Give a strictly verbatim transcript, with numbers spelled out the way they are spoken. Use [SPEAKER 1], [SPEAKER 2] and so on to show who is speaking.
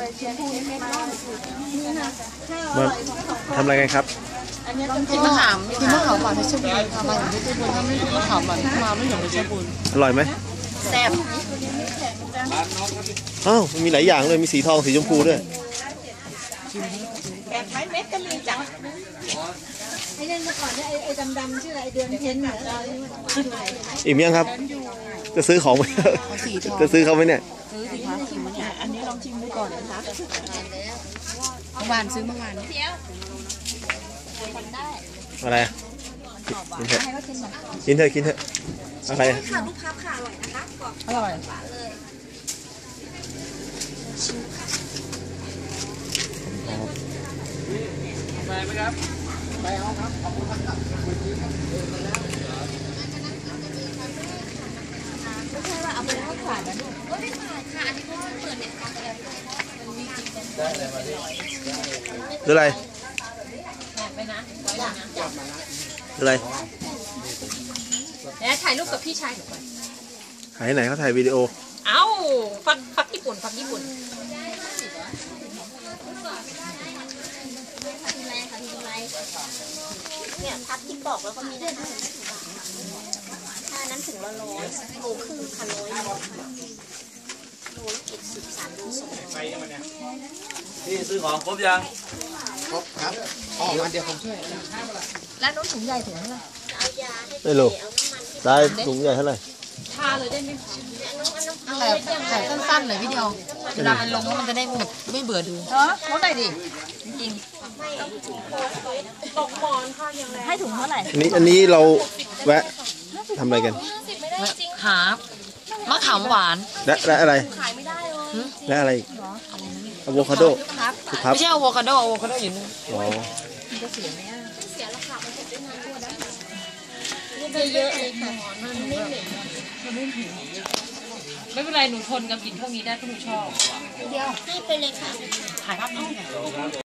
[SPEAKER 1] มาทำอะไรกันครับ
[SPEAKER 2] กินมะขามกินมะขามหวานเพชรบุรีค่ะมาถึงเพชรบุรีถ้าไม่มะขามหวานมาไม่ถึงเพชรบุรี
[SPEAKER 1] อร่อยไหม
[SPEAKER 2] แซ่บ
[SPEAKER 1] อ้าวมีหลายอย่างเลยมีสีทองสีชมพูด้วย
[SPEAKER 2] แบบไม้เม็ดก็มีจัง
[SPEAKER 3] ไอ้เรื่องเมื่อก่อนเนี่ยไอ้ดำๆชื่ออะไรเดือนเพ็ญเหรอ
[SPEAKER 1] อิ่มยังครับจะซื้อของไหมจะซื้อเขาไหมเนี่ย
[SPEAKER 2] ซื้อสิคะชิมเนี่ยอันนี้ลองชิมดูก่อนนะคะเมื่อวานซื้อเมื่อวาน
[SPEAKER 1] อะไรกินเถอะกินเถอะกินเถอะอะไร
[SPEAKER 3] ค่ะลูกค้าค่ะอร่อยนะคะ
[SPEAKER 2] อร่อย
[SPEAKER 4] ไปไหมครับไปเอาครับขอบคุณครับ
[SPEAKER 3] ไม่ใช่ว่าเอาไปแล้วขายนะลูกก็ไม่ขายค่ะอันนี้ก็เปิดเน็ตคาเฟ่มันมีจริงเป็นได้เลยมาดิ
[SPEAKER 1] หรืออะไร
[SPEAKER 3] ไปนะไว้นะ
[SPEAKER 1] อะไร
[SPEAKER 3] แล้วถ่ายรูปกับพี่ชายหนูไป
[SPEAKER 1] ถ่ายไหนเขาถ่ายวิดีโอ
[SPEAKER 3] เอ้าฟักฟักญี่ปุ่นฟักญี่ปุ่นเนี่ยพัดที่ปอกแล้วก็มีด้วยนะถ้านั้นถึงละร้อยโลครึ่งค่ะร้อยโลละเจ็ดสิบสามโลสอง
[SPEAKER 4] พี่ซื้อของครบยัง
[SPEAKER 2] ครบครับอ๋อมาเดี๋ยวผมช่วย
[SPEAKER 3] แล้วน้องถุงใหญ่ถุงเท่าไหร่
[SPEAKER 1] ไม่รู้ได้ถุงใหญ่เท่าไหร่
[SPEAKER 3] ทาเลยได้ไหม
[SPEAKER 2] ถ่ายถ่ายสั้นๆหน่อยวิดีโอเวลามันลงมันจะได้แบบไม่เบื่อดู
[SPEAKER 3] เออลดหน่อยดิจริงๆตกหมอนค่ะยังไงให้ถุงเท่าไหร่
[SPEAKER 1] อันนี้อันนี้เราแวะทำอะไรกัน
[SPEAKER 2] หามะขามหวาน
[SPEAKER 1] และและอะไรและอะไรอะโวคาโด
[SPEAKER 2] ไม่ใช่อะโวคาโดอะโวคาโดอยู่นี่
[SPEAKER 1] อ๋อ
[SPEAKER 3] จะเสียไหมอ่ะเสียราคามันจะได้นานกว่าได้เยอะๆเลยค่ะมันไม่เหม็นมันไม่เหม็นไม่เป็นไรหนูทนกับกลิ่นพวกนี้ได้เพราะหนูชอบเดียวให้ไปเลยค่ะ
[SPEAKER 2] ถ่ายภาพน้อง